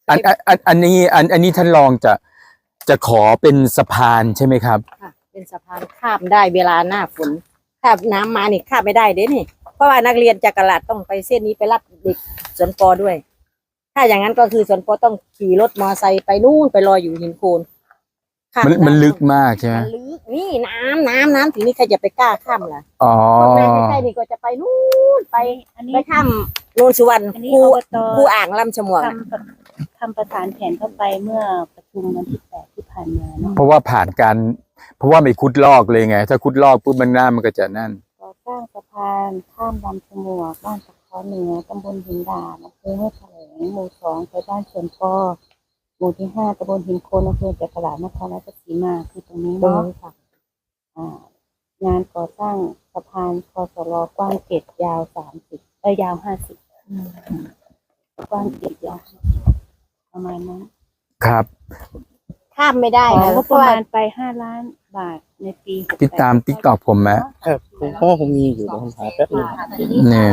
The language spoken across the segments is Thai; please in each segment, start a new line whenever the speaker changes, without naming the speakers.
อันนี้ท่านรองจะขอเป็นสะพานใช่ไหมครับ
ค่ะเป็นสะพานข้ามได้เวลาหน้าฝนถ้าน้ำมานี่ข้ามไม่ได้เด้นี่เพราะว่านักเรียนจากกลาดต้องไปเส้นนี้ไปรับเด็กสวนปอด้วยถ้าอย่างนั้นก็คือสวนปอต้องขี่รถมอไซค์ไปนู่นไปรออยู่หินโคน
มันลึกมากใช่ไหม
มันลึกนี่น้ำถึงนี่ใครจะไปกล้าข้ามล่ะ
อ๋อ
ใกล้ๆนี่ก็จะไปนู่นไปข้ามโนนสุวรรณครูอ่างลำฉมวก
ทำประสานแผนเข้าไปเมื่อประชุมวันที่8ที่ผ่านมาเนาะ
เพราะว่าไม่คุดลอกเลยไงถ้าคุดลอกปุ๊บมันหน้ามันก็จะนั่น
ก่อสร้างสะพานข้ามลำฉมวกบ้านตะเคาะเหนือตำบลหินดาดอำเภอห้วยแถลงหมู่2ไปบ้านสวนปอหมู่ที่5ตำบลหินโคนอำเภอจักราชนครราชสีมาคือตรงนี้เนาะงานก่อสร้างสะพานคสรกว้าง7ยาว30ยาว50กว้าง7ยาวประมาณนั้น
ครับ
ข้ามไม่ได้
นะก็ประมาณไป5 ล้านบาทในปี
ติดตามTikTokผมไหม
ครับเพราะว่าผมมีอยู่เดี๋ยวผมหาแป๊บนึง
เนี่ย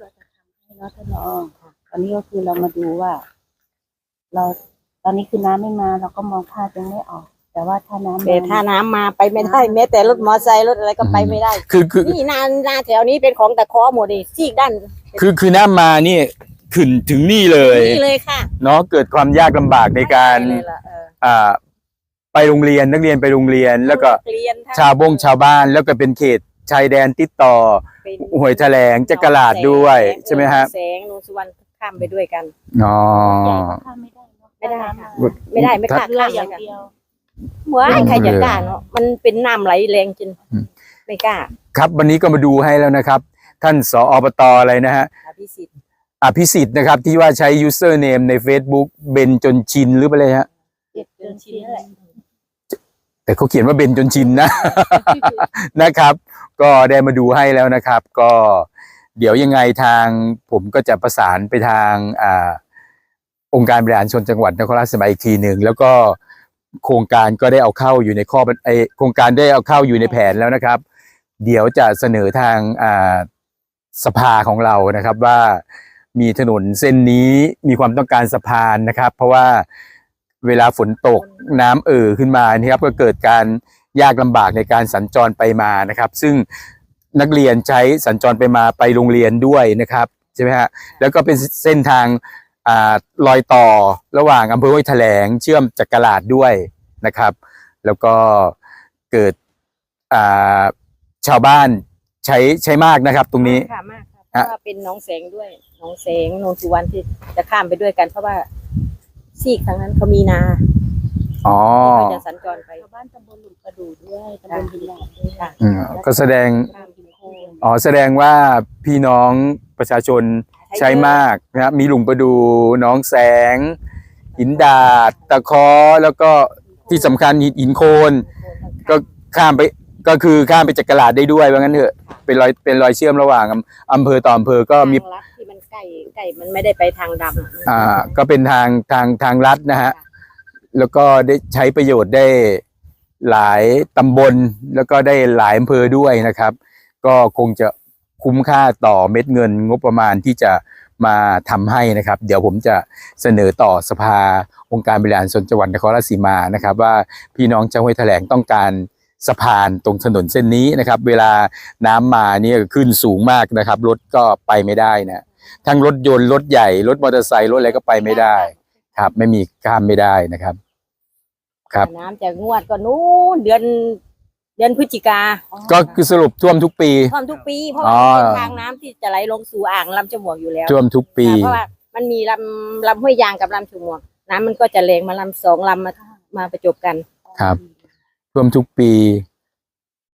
ตอนนี้ก็คือเรามาดูว่าตอนนี้คือน้ำไม่มาเราก็มองภาพยังไม่ออกแต่ว่าถ้าน้
ำมาไปไม่ได้แม้แต่รถมอไซค์รถอะไรก็ไปไม่ได้
คือ
นี่นาแถวนี้เป็นของตะเคาะหมดเลยซีกด้าน
คือน้ำมานี่ขึ้นถึงนี่เลย
ค่ะ
เนาะเกิดความยากลำบากในการไปโรงเรียนนักเรียนไปโรงเรียนแล้วก็ชาวบ้านแล้วก็เป็นเขตชายแดนติดต่อห้วยแถลงจักราชด้วยใช่ไหมครับ
แสงโนนสุวรรณข้ามไปด้วยกัน
อ๋อ
ไม่ได้ไม่กล้าข้ามอย่างเดียวใครจะกล้าเนาะมันเป็นน้ำไหลแรงจนไม่กล้า
ครับวันนี้ก็มาดูให้แล้วนะครับท่านสอบต.อะไรนะฮะอภิสิทธิ์นะครับที่ว่าใช้ username ใน Facebook เบนจนชินหรือเปล่าเลยฮะ
จนชินนั่นแหละ
แต่เขาเขียนว่าเบนจนชินนะ นะครับก็ได้มาดูให้แล้วนะครับก็เดี๋ยวยังไงทางผมก็จะประสานไปทางองค์การบริหารส่วนจังหวัดนครราชสีมาอีกทีหนึ่งแล้วก็โครงการก็ได้เอาเข้าอยู่ในโครงการได้เอาเข้าอยู่ในแผนแล้วนะครับเดี๋ยวจะเสนอทางสภาของเรานะครับว่ามีถนนเส้นนี้มีความต้องการสะพานนะครับเพราะว่าเวลาฝนตกน้ำขึ้นมานี่ครับก็เกิดการยากลำบากในการสัญจรไปมานะครับซึ่งนักเรียนใช้สัญจรไปมาไปโรงเรียนด้วยนะครับใช่ไหมฮะแล้วก็เป็นเส้นทางรอยต่อระหว่างอำเภอห้วยแถลงเชื่อมจักราชด้วยนะครับแล้วก็เกิดชาวบ้านใช้มากนะครับตรงนี้
มากเพราะว่าเป็นหนองแสงด้วยหนองแสงโนนสุวรรณที่จะข้ามไปด้วยกันเพราะว่าซีกทางนั้นเขามีนาที่จะสัญจรไป
บ้านตำบลหลุมประดู่ด้วยตำบลหินหลาดด้วย
ก็แสดงว่าพี่น้องประชาชนใช้มากนะครับมีหลุมประดู่น้องแสงหินดาดตะเคาะแล้วก็ที่สำคัญหินโคนก็ข้ามไปจักราชได้ด้วยว่างั้นเถอะเป็นรอยเชื่อมระหว่างอำเภอต่ออำเภอก็มี
ที่มันใกล้มันไม่ได้ไปทางด
ำก็เป็นทางลัดนะฮะแล้วก็ได้ใช้ประโยชน์ได้หลายตำบลแล้วก็ได้หลายอำเภอด้วยนะครับก็คงจะคุ้มค่าต่อเม็ดเงินงบประมาณที่จะมาทำให้นะครับเดี๋ยวผมจะเสนอต่อสภาองค์การบริหารส่วนจังหวัดนครราชสีมานะครับว่าพี่น้องชาวห้วยแถลงต้องการสะพานตรงถนนเส้นนี้นะครับเวลาน้ำมานี่ขึ้นสูงมากนะครับรถก็ไปไม่ได้นะทั้งรถยนต์รถใหญ่รถมอเตอร์ไซค์รถอะไรก็ไปไม่ได้ครับไม่มีข้ามไม่ได้นะครับครับ
น้ำจะงวดก็นู้นเดือนพฤศจิกา
ก็คือสรุปท่วมทุกปี
เพราะว่าทางน้ำที่จะไหลลงสู่อ่างลำฉมวกอยู่แล้ว
ท่วมทุกปี
เพราะว่ามันมีลำห้วยยางกับลำฉมวกน้ำมันก็จะแรงมาลำ2 ลำมาประจบกัน
ครับท่วมทุกปี